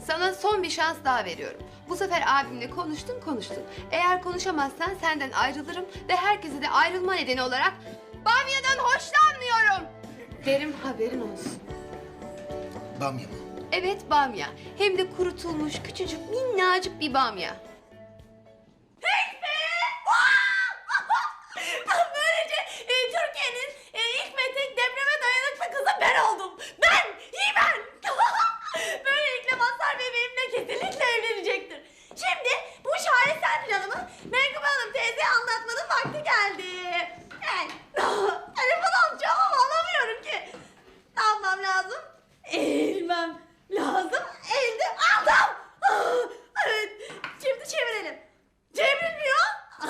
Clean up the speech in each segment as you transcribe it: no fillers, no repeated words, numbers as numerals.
Sana son bir şans daha veriyorum. Bu sefer abimle konuştun. Eğer konuşamazsan senden ayrılırım ve herkese de ayrılma nedeni olarak bamyadan hoşlanmıyorum derim, haberin olsun. Bamya mı? Evet, bamya. Hem de kurutulmuş küçücük minnacık bir bamya. Böylece Türkiye'nin ilk ve tek depreme dayanıklı kızı ben oldum. Ben, ben. Böylelikle Mazhar Bey benimle kesinlikle evlenecektir. Şimdi bu şaheser planımı Menkıbe Hanım teyzeye anlatmanın vakti geldi. Telefon alacağım ama alamıyorum ki. Ne yapmam lazım? Eğilmem lazım. Eğildim, aldım. Evet, şimdi çevirelim. Çevrilmiyor.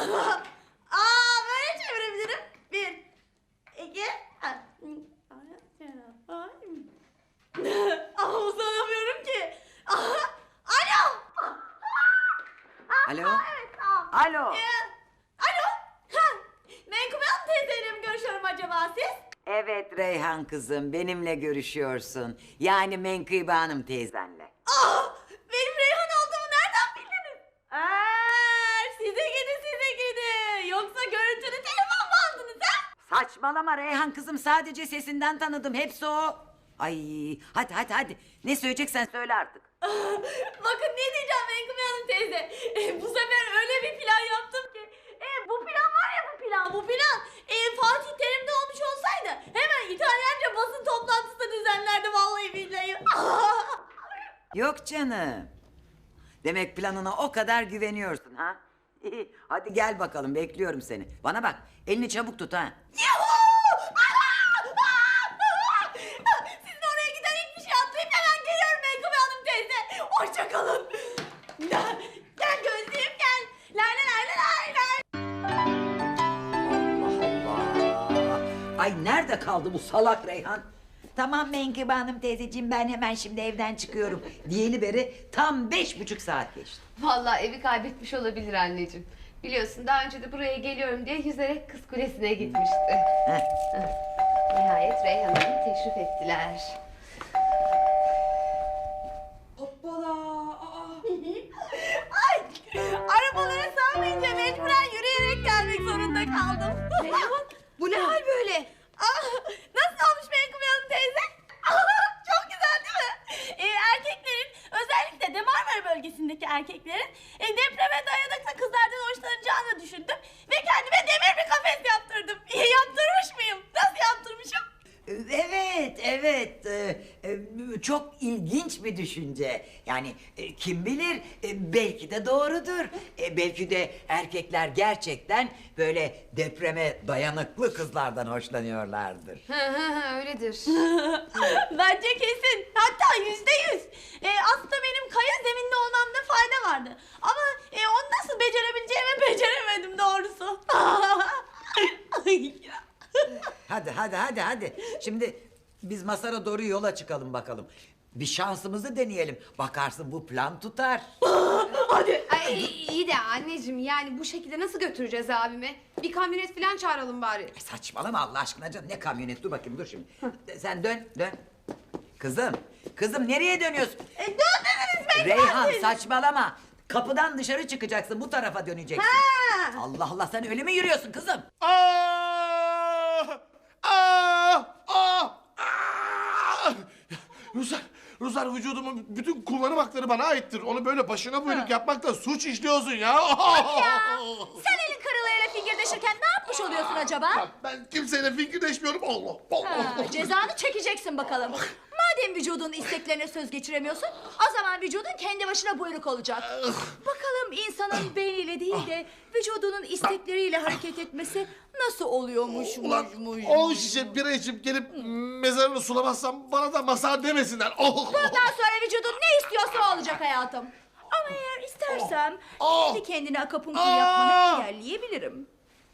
Böyle çevirebilirim. 1, 2, uzanamıyorum ki. Alo. Alo? Evet, tamam. Alo? Alo. Menkıbe Hanım teyzeyle mi görüşüyorum acaba siz? Evet Reyhan kızım, benimle görüşüyorsun. Yani Menkıbe Hanım teyzenle. Benim Reyhan olduğumu nereden bildiniz? Size gidi. Yoksa görüntülü telefon mu aldınız ha? Saçmalama Reyhan kızım, sadece sesinden tanıdım, hepsi o. Ay hadi. Ne söyleyeceksen söyle artık. Bakın ne diyeceğim Menkıbe Hanım teyze. Bu sefer öyle bir plan yaptım ki. Bu plan var ya, bu plan. Fatih Terim'de olmuş olsaydı hemen İtalyanca basın toplantısı düzenlerdi vallahi billahi. Yok canım. Demek planına o kadar güveniyorsun ha? İyi, hadi gel bakalım, bekliyorum seni. Bana bak, elini çabuk tut ha. Sizin oraya giden hiçbir şey atlayıp hemen geliyorum Menkıbe Hanım teyze. Hoşça kalın. Gel gözlüğüm gel. Lay lay lay lay lay. Allah! Ay nerede kaldı bu salak Reyhan? Tamam Menkıbe Hanım teyzeciğim, ben hemen şimdi evden çıkıyorum. Diyeli beri tam 5,5 saat geçti. Vallahi evi kaybetmiş olabilir anneciğim. Biliyorsun daha önce de buraya geliyorum diye yüzerek Kız Kulesi'ne gitmişti. Heh. Nihayet Reyhan Hanım teşrif ettiler. Ay, arabalara sığmayınca mecburen yürüyerek gelmek zorunda kaldım. Bu ne hal böyle? Nasıl olmuş Menkıbe Hanım teyze? Çok güzel değil mi? Erkeklerin, özellikle de Marmara bölgesindeki erkeklerin depreme dayanıklı kızlardan hoşlanacağını düşündüm. Ve kendime demir bir kafes yaptırdım. Yaptırmış mıyım? Nasıl yaptırmışım? Evet. Çok ilginç bir düşünce. Yani kim bilir, belki de doğrudur. Belki de erkekler gerçekten böyle depreme dayanıklı kızlardan hoşlanıyorlardır. Öyledir. Bence kesin. Hatta %100. Aslında benim kaya zeminli olmamda fayda vardı. Ama onu nasıl becerebileceğimi beceremedim doğrusu. Hadi. Şimdi biz Masar'a doğru yola çıkalım bakalım. Bir şansımızı deneyelim. Bakarsın bu plan tutar. Ay, iyi de anneciğim, yani bu şekilde nasıl götüreceğiz abimi? Bir kamyonet falan çağıralım bari. Saçmalama Allah aşkına canım. Ne kamyonet, dur bakayım, dur şimdi. Sen dön. Kızım nereye dönüyorsun? Dön dediniz Menkıbe Reyhan Hanım teyze. saçmalama. Kapıdan dışarı çıkacaksın, bu tarafa döneceksin. Allah sen öyle mi yürüyorsun kızım? Ruslar vücudumun bütün kullanım hakları bana aittir. Onu böyle başına buyruk yapmakla suç işliyorsun ya. Sen elin kırılığıyla fingirdeşirken ne yapmış oluyorsun acaba? Ben kimseyle fikirleşmiyorum. Allah. Cezanı çekeceksin bakalım. Madem vücudun isteklerine söz geçiremiyorsun, o zaman vücudun kendi başına buyruk olacak. Bakalım insanın beyniyle değil de vücudunun istekleriyle hareket etmesi nasıl oluyormuş? Ulan 10 şişe bira içip gelip mezarını sulamazsam bana da Mazhar demesinler. Bundan sonra vücudun ne istiyorsa o olacak hayatım. Ama eğer istersem kendi kendine akupunktur yapmanı engelleyebilirim.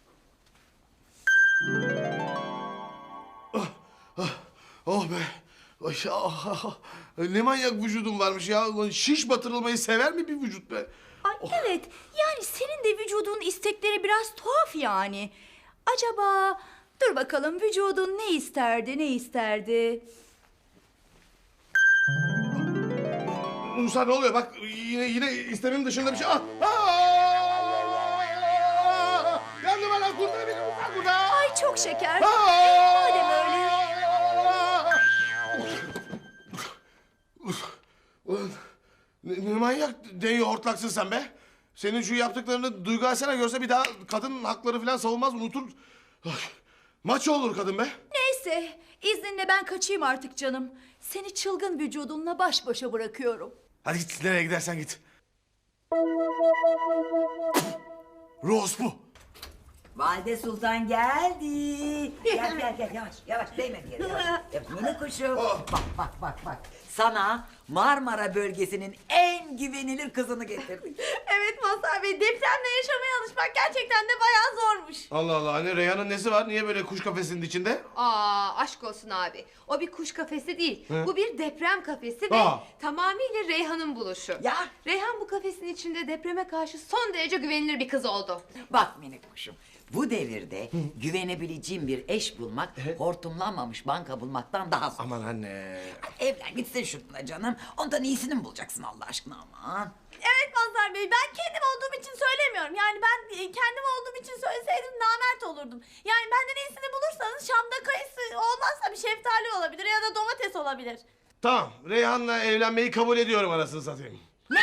Oh be. Ay, ne manyak vücudum varmış ya. Ulan şiş batırılmayı sever mi bir vücut be? Ay evet, yani senin de vücudun istekleri biraz tuhaf yani. Acaba dur bakalım, vücudun ne isterdi? Ruslar ne oluyor? Bak yine istememin dışında bir şey. Yandım lan, kurtar beni Ruslar, kurtar. Ay çok şeker. Aa! Madem öyle. Ulan ne manyak deli hortlaksın sen be. Senin şu yaptıklarını Duygu Asena görse bir daha kadın hakları falan savunmaz, unutur. Ay, maç olur kadın be. Neyse, izninle ben kaçayım artık canım. Seni çılgın vücudunla baş başa bırakıyorum. Hadi git, nereye gidersen git. Rose bu. Valide Sultan geldi. Gel yavaş yavaş değme bir yere yavaş. Minik kuşum. Bak. Sana Marmara bölgesinin en güvenilir kızını getirdik. Evet Mazhar Bey, depremle yaşamaya alışmak gerçekten de bayağı zormuş. Allah Allah, anne Reyhan'ın nesi var? Niye böyle kuş kafesinin içinde? Aşk olsun abi. O bir kuş kafesi değil. Bu bir deprem kafesi ve Aa. tamamıyla Reyhan'ın buluşu. Ya. Reyhan bu kafesin içinde depreme karşı son derece güvenilir bir kız oldu. Bak minik kuşum. Bu devirde güvenebileceğim bir eş bulmak hortumlanmamış banka bulmaktan daha zor. Aman anne. Evlen gitsin şununla canım. Ondan iyisini mi bulacaksın Allah aşkına aman. Evet Mazhar Bey, ben kendim olduğum için söylemiyorum. Yani ben kendim olduğum için söyleseydim namert olurdum. Yani benden iyisini bulursanız Şam'da kayısı olmazsa bir şeftali olabilir ya da domates olabilir. Tamam, Reyhan'la evlenmeyi kabul ediyorum anasını satayım.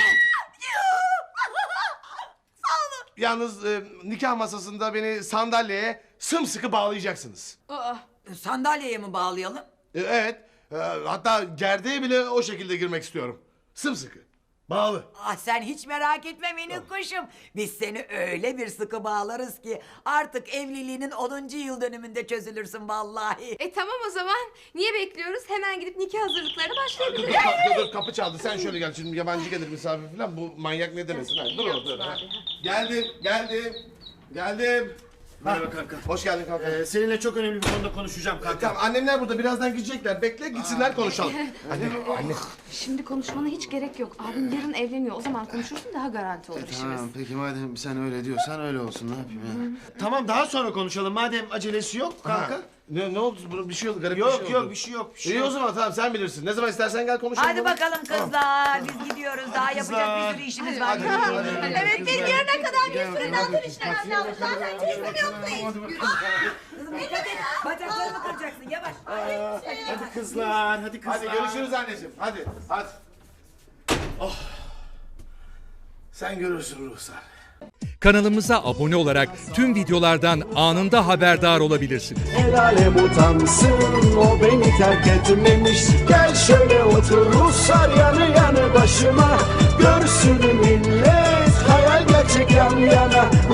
Sağ olun. Yalnız nikah masasında beni sandalyeye sımsıkı bağlayacaksınız. Sandalyeye mi bağlayalım? Evet, hatta gerdeğe bile o şekilde girmek istiyorum. Sımsıkı. Bağlı. Ah sen hiç merak etme minik kuşum. Biz seni öyle bir sıkı bağlarız ki artık evliliğinin 10. yıl dönümünde çözülürsün vallahi. Tamam o zaman. Niye bekliyoruz? Hemen gidip nikah hazırlıklarına başlayabiliriz. Dur, kapı çaldı. Sen şöyle gel. Şimdi yabancı gelir misafir falan. Bu manyak ne demesin. Ha, dur orada. Geldim. Merhaba kanka. Hoş geldin kanka. Seninle çok önemli bir konuda konuşacağım kanka. Tamam, annemler burada. Birazdan gidecekler. Bekle, gitsinler konuşalım. Anne. Şimdi konuşmana hiç gerek yok. Abim yarın evleniyor. O zaman konuşursun, daha garanti olur işimiz. Tamam peki madem sen öyle diyorsan öyle olsun, ne yapayım ya. Tamam, daha sonra konuşalım madem acelesi yok kanka. Ha. Ne oldu? Bir şey oldu. Garip bir şey oldu. Yok bir şey yok. İyi o zaman, tamam, sen bilirsin. Ne zaman istersen gel konuşalım. Hadi bakalım kızlar biz gidiyoruz daha yapacak bir sürü işimiz var. Evet, benim yarına kadar bir sürü daha işlemem lazım. Zaten çözüm yok. Kızım dikkat et bacaklarımı kıracaksın yavaş. Hadi kızlar, hadi kızlar. Hadi görüşürüz anneciğim. Hadi. Oh. Sen görürsün Ruhsar. Kanalımıza abone olarak tüm videolardan anında haberdar olabilirsiniz. El alem utansın, o beni terk etmemiş. Gel şöyle otur Ruslar yanı yanı başıma. Görsün millet hayal gerçek yan yana.